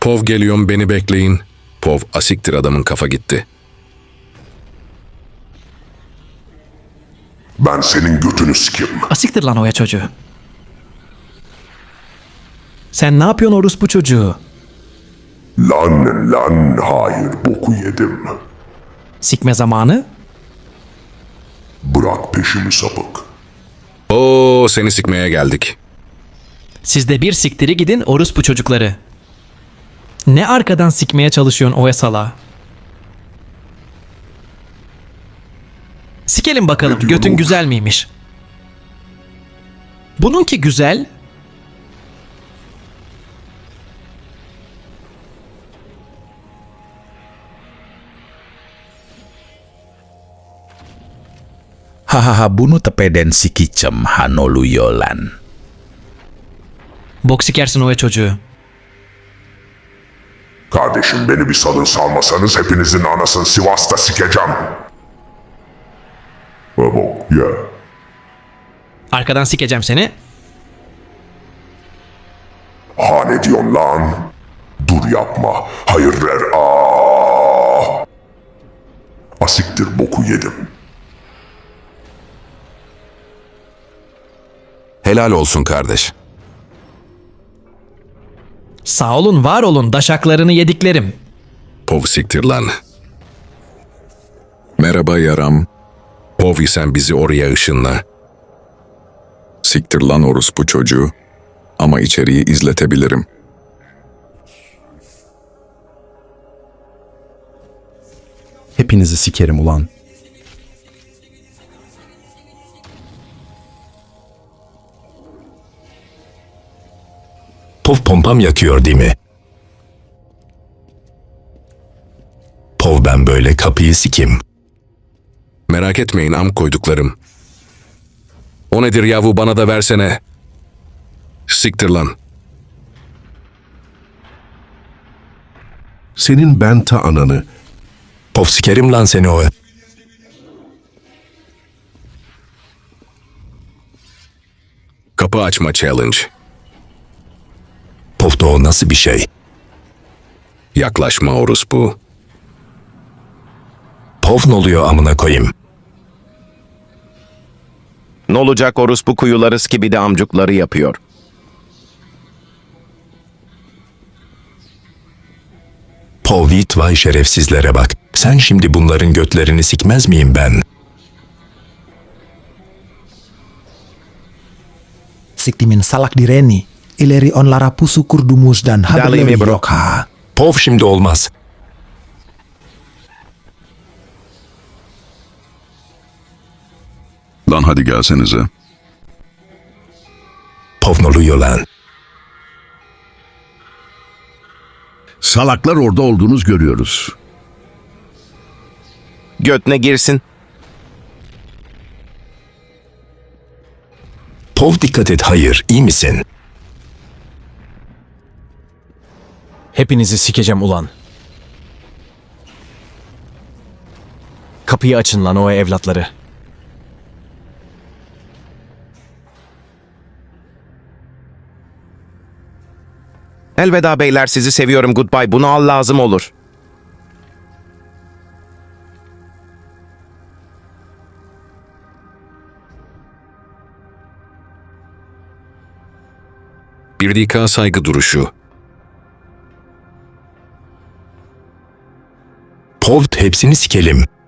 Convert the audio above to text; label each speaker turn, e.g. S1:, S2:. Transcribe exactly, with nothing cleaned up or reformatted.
S1: Pov geliyorum, beni bekleyin. Pov, asiktir, adamın kafa gitti.
S2: Ben senin götünü sikeyim.
S3: Asiktir lan oya çocuğu. Sen ne yapıyorsun orospu çocuğu?
S2: Lan lan hayır boku yedim.
S3: Sikme zamanı.
S2: Bırak peşimi sapık.
S1: Oo, seni sikmeye geldik.
S3: Siz de bir siktiri gidin orospu çocukları. Ne arkadan sikmeye çalışıyorsun oya sala? Sikelim bakalım,
S2: Ne diyorsun
S3: götün
S2: oğlum?
S3: güzel miymiş? Bununki güzel.
S4: Hahaha bunu tepeden si kicem hanoluyolan.
S3: Bok sikersin oya çocuğu.
S2: Kardeşim beni bir salın, salmasanız hepinizin anasını Sivas'ta sikeceğim. Ha bok ya.
S3: Arkadan sikeceğim seni.
S2: Ha ne diyorsun lan? Dur yapma. Hayır ver. Aa! Asiktir boku yedim.
S1: Helal olsun kardeş.
S3: Sağ olun, var olun, daşaklarını yediklerim.
S1: Pov siktir lan. Merhaba yaram. Pov, sen bizi oraya ışınla.
S5: Siktir lan orospu çocuğu. Ama içeriği izletebilirim.
S6: Hepinizi sikerim ulan.
S7: Pov pompam yakıyor değil mi? Pov, ben böyle kapıyı sikim.
S1: Merak etmeyin am koyduklarım. O nedir yavu, bana da versene. Siktir lan.
S2: Senin ben ta ananı.
S7: Pov, sikerim lan seni o.
S1: Kapı açma challenge.
S7: Pov da o nasıl bir şey?
S1: Yaklaşma orospu.
S7: Pov ne oluyor amına koyayım?
S8: Ne olacak, orospu kuyuları gibi de amcukları yapıyor.
S7: Pov, it vay şerefsizlere bak. Sen şimdi bunların götlerini sikmez miyim ben?
S9: Siktimin salak direni, ileri on lara pusu kurdumus dan
S8: Dali mi
S9: hablewi
S8: bro?
S9: yokha.
S7: Pov, şimdi olmaz.
S5: Lan hadi gelsenize.
S7: Pov ne oluyor lan?
S2: Salaklar orada olduğunuz görüyoruz.
S8: Götüne girsin.
S7: Pov, dikkat et, hayır, iyi misin?
S6: Hepinizi sikeceğim ulan. Kapıyı açın lan o evlatları.
S8: Elveda beyler, sizi seviyorum, goodbye. Bunu al, lazım olur.
S1: Bir dakika saygı duruşu.
S7: Pov, hepsini sikelim.